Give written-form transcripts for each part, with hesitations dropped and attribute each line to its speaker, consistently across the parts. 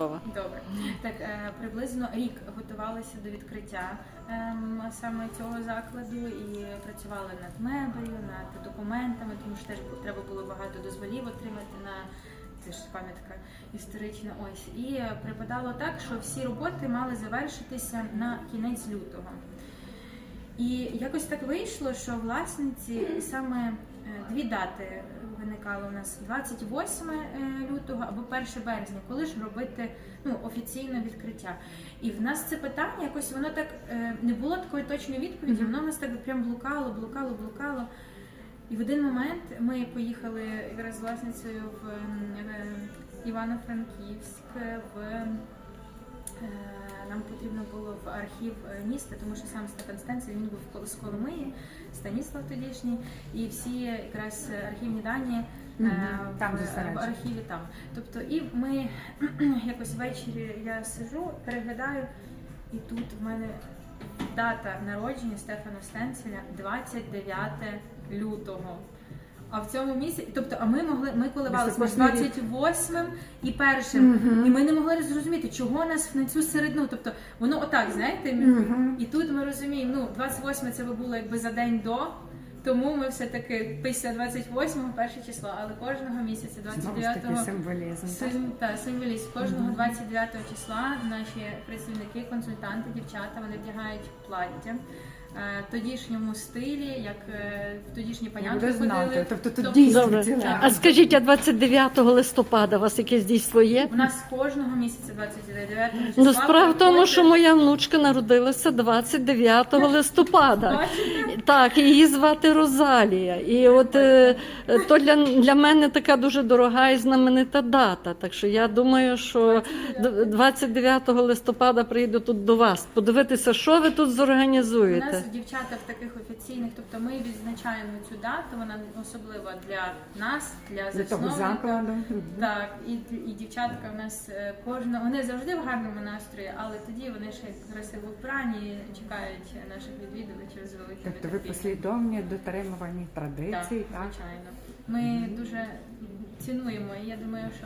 Speaker 1: Добре. Так, приблизно рік готувалися до відкриття саме цього закладу і працювали над мебелью, над документами, тому що теж треба було багато дозволів отримати на це ж пам'ятка історична. Ось. І припадало так, що всі роботи мали завершитися на кінець лютого. І якось так вийшло, що власниці саме дві дати виникало у нас: 28 лютого або 1 березня, коли ж робити офіційне відкриття. І в нас це питання, якось воно так, не було такої точної відповіді, воно в нас так прям блукало. І в один момент ми поїхали якраз з власницею в Івано-Франківськ, нам потрібно було в архів міста, тому що сам Стефан Стенцель, він був з Коломиї, Станіслав тодішній, і всі якраз архівні дані
Speaker 2: там
Speaker 1: в архіві там. Тобто, і ми якось ввечері я сижу, переглядаю, і тут в мене дата народження Стефана Стенцеля 29 лютого. А в цьому місяці, тобто, ми коливалися між 28-м і 1-м, і ми не могли зрозуміти, чого нас на цю середину, тобто, воно отак, знаєте, і тут ми розуміємо, 28 це було якби за день до, тому ми все-таки після 28-го, 1 число, але кожного місяця, 29-го, символізм, кожного 29 числа наші працівники, консультанти, дівчата, вони вдягають плаття в тодішньому стилі, як в тодішні панянки ходили.
Speaker 2: Тобто тут дійсно.
Speaker 3: А скажіть, а 29 листопада у вас якесь дійство є?
Speaker 1: У нас кожного місяця 29 числа.
Speaker 3: Ну, справа в тому, що моя внучка народилася 29 листопада. Так, її звати Розалія. І от то для мене така дуже дорога і знаменита дата. Так що я думаю, що 29 листопада приїду тут до вас, подивитися, що ви тут зорганізуєте.
Speaker 1: У нас дівчата в таких офіційних, тобто ми відзначаємо цю дату, вона особлива для нас, для засновника. Так, і дівчатка в нас вони завжди в гарному настрої, але тоді вони ще красиво вбрані, чекають наших відвідувачів з великим
Speaker 2: Тобто ви послідовні дотримувані традицій, так?
Speaker 1: Звичайно. Ми дуже цінуємо, і я думаю, що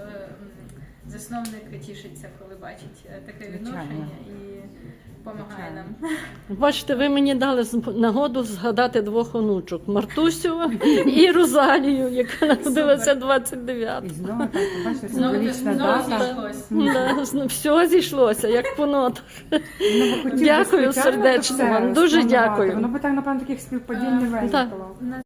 Speaker 1: засновник тішиться, коли бачить таке відношення і допомагає нам.
Speaker 3: Бачите, ви мені дали нагоду згадати двох онучок: Мартусю і Розалію, яка народилася 29-го.
Speaker 2: І знову так, бачите, символічна дата.
Speaker 3: Все зійшлося, як по нотах. Дякую сердечно вам, дуже дякую.
Speaker 2: Воно би так, напевно, таких співпадінь не виникло.